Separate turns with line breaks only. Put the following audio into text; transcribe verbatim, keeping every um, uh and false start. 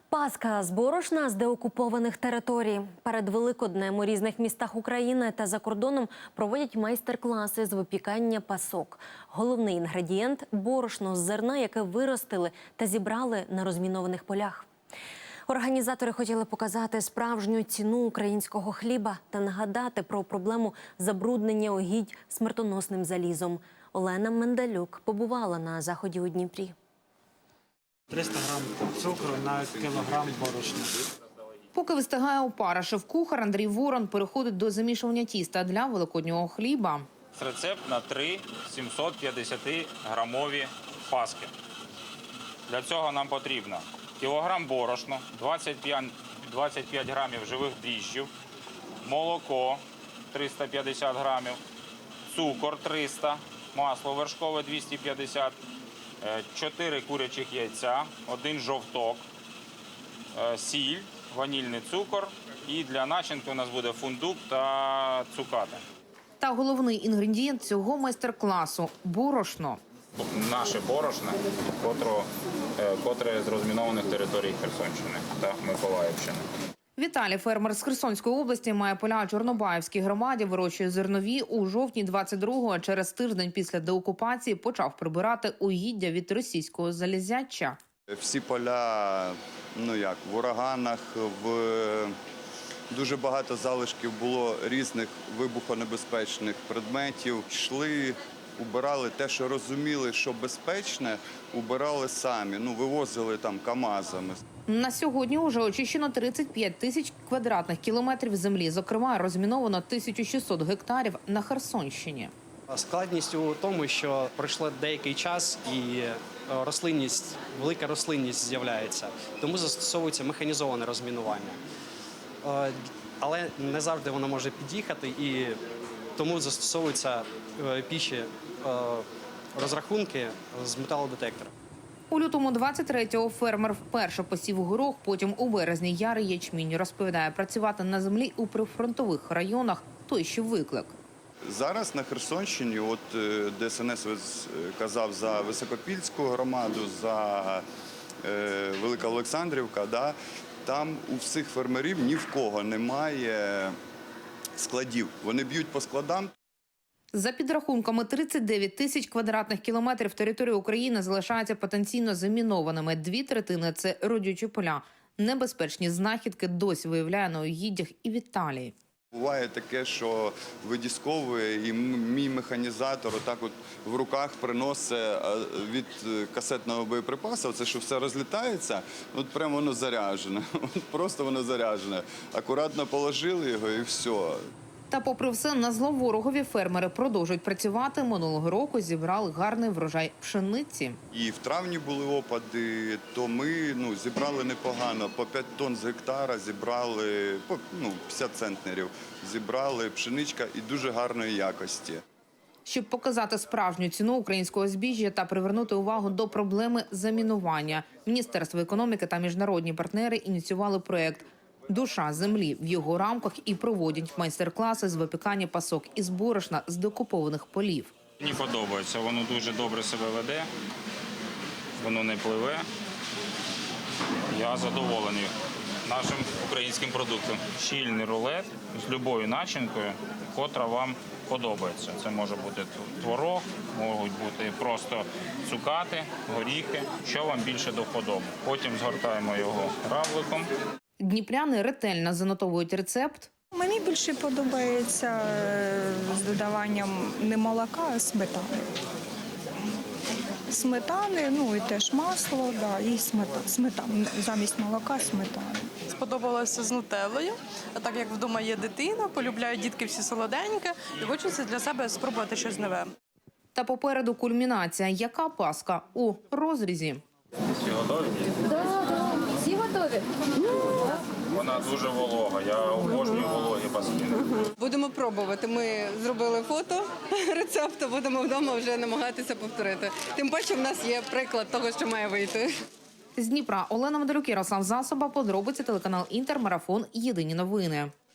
Пасха з борошна з деокупованих територій. Перед Великоднем у різних містах України та за кордоном проводять майстер-класи з випікання пасок. Головний інгредієнт – борошно з зерна, яке виростили та зібрали на розмінованих полях. Організатори хотіли показати справжню ціну українського хліба та нагадати про проблему забруднення угідь смертоносним залізом. Олена Мендалюк побувала на заході у Дніпрі.
триста грам цукру на кілограм борошна.
Поки вистигає опара, шеф-кухар Андрій Ворон переходить до замішування тіста для великоднього хліба.
Рецепт на три сімсот п'ятдесятиграмові паски. Для цього нам потрібно кілограм борошна, двадцять п'ять грамів живих дріжджів, молоко триста п'ятдесят грамів, цукор триста, масло вершкове двісті п'ятдесят, чотири курячих яйця, один жовток, сіль, ванільний цукор і для начинки у нас буде фундук та цукати.
Та головний інгредієнт цього майстер-класу – борошно.
Наше борошно, котро, котре з розмінованих територій Херсонщини та Миколаївщини.
Віталій, фермер з Херсонської області, має поля у Чорнобаївській громаді, вирощує зернові. У жовтні двадцять другого, через тиждень після деокупації, почав прибирати угіддя від російського залізяча.
Всі поля, ну як, в ураганах, в... дуже багато залишків було різних вибухонебезпечних предметів. Йшли, убирали те, що розуміли, що безпечне, убирали самі, ну, вивозили там камазами.
На сьогодні вже очищено тридцять п'ять тисяч квадратних кілометрів землі. Зокрема, розміновано тисячу шістсот гектарів на Херсонщині.
Складність у тому, що пройшло деякий час і рослинність, велика рослинність з'являється. Тому застосовується механізоване розмінування. Але не завжди воно може під'їхати, і тому застосовуються піші розрахунки з металодетектора.
У лютому двадцять третього фермер вперше посів горох, потім у березні ярий ячмінь. Розповідає, працювати на землі у прифронтових районах – той ще виклик.
Зараз на Херсонщині, от де ДСНС казав за Високопільську громаду, за е, Велика Олександрівка, да, там у всіх фермерів ні в кого немає складів. Вони б'ють по складам.
За підрахунками, тридцять дев'ять тисяч квадратних кілометрів території України залишаються потенційно замінованими. Дві третини – це родючі поля. Небезпечні знахідки досі виявляє на угіддях і Віталій.
Буває таке, що видісковує, і мій механізатор отак от в руках приносить від касетного боєприпасу, це що все розлітається, от прямо воно заряджене, от просто воно заряджене. Акуратно положили його і все.
Та попри все, на зло ворогові фермери продовжують працювати. Минулого року зібрали гарний врожай пшениці.
І в травні були опади, то ми ну, зібрали непогано. По п'ять тонн з гектара зібрали, по ну, п'ятдесят центнерів зібрали пшеничка і дуже гарної якості.
Щоб показати справжню ціну українського збіжжя та привернути увагу до проблеми замінування, Міністерство економіки та міжнародні партнери ініціювали проєкт «Душа землі». В його рамках і проводять майстер-класи з випікання пасок із борошна з деокупованих полів.
Мені подобається, воно дуже добре себе веде, воно не пливе. Я задоволений нашим українським продуктом. Щільний рулет з любою начинкою, котра вам подобається. Це може бути творог, можуть бути просто цукати, горіхи, що вам більше до вподоби. Потім згортаємо його равликом.
Дніпряни ретельно занотовують рецепт.
Мені більше подобається з додаванням не молока, а сметани. Сметани, ну і теж масло, да, і сметана. Сметана. Замість молока сметана.
Сподобалося з нутеллою, а так як вдома є дитина, полюбляють дітки всі солоденьке і хочеться для себе спробувати щось нове.
Та попереду кульмінація. Яка паска у розрізі?
Всі готові?
Так, так, всі готові.
Вона дуже волога, я обожнюю вологі паски.
Будемо пробувати. Ми зробили фото рецепту, будемо вдома вже намагатися повторити. Тим паче в нас є приклад того, що має вийти.
З Дніпра Олена Мендалюк, Ярослав Засоба, подробиці, телеканал «Інтер», марафон «Єдині новини».